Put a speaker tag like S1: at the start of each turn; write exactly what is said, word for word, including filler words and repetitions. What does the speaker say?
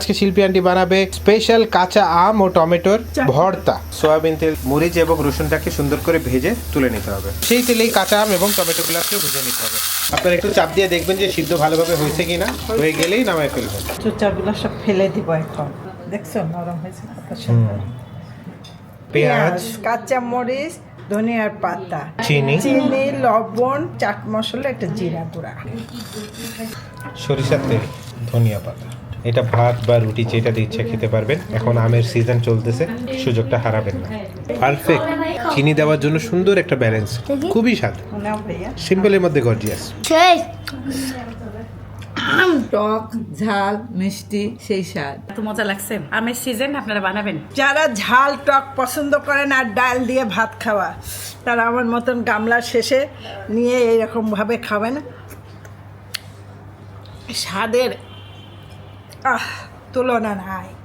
S1: আজকে শিল্পী আন্টি বানাবে স্পেশাল কাঁচা আম ও টমেটোর ভর্তা। সয়াবিন তেল, মরিচ এবং রসুনটাকে সুন্দর করে ভেজে তুলে নিতে হবে। সেই তেলেই কাঁচা আম এবং টমেটোগুলোকে ভেজে নিতে হবে। আপনারা একটু চাপ দিয়ে দেখবেন যে সিদ্ধ ভালোভাবে হয়েছে কিনা, হয়ে গেলেই নামায় ফেলবেন।
S2: চোচাগুলো সব ফেলে দিব এখন। দেখছো নরম হয়েছে কত সুন্দর।
S1: পেঁয়াজ,
S2: কাঁচা মরিচ, ধনিয়ার পাতা,
S1: চিনি,
S2: চিনি, লবণ, চাট মশলা, একটা জিরা গুঁড়া,
S1: সরিষার তেল, ধনিয়া পাতা। এটা ভাত বা রুটি যেটা ইচ্ছা খেতে পারবেন। এখন আমের সিজন চলতেছে, সুযোগটা হারাবেন না। পারফেক্ট চিনি দেওয়ার জন্য সুন্দর একটা ব্যালেন্স, খুবই স্বাদ।
S2: নাও ভাইয়া।
S1: সিম্পলের মধ্যে গর্জিয়াস।
S3: টক ঝাল মিষ্টি সেই স্বাদ।
S4: এত মজা লাগছে। আমের সিজন, আপনারা বানাবেন।
S2: যারা ঝাল টক পছন্দ করেন আর ডাল দিয়ে ভাত খাওয়া, তারা আমার মতন গামলার শেষে নিয়ে এইরকম ভাবে খাবেন। স্বাদের আহ তুলনা নাই।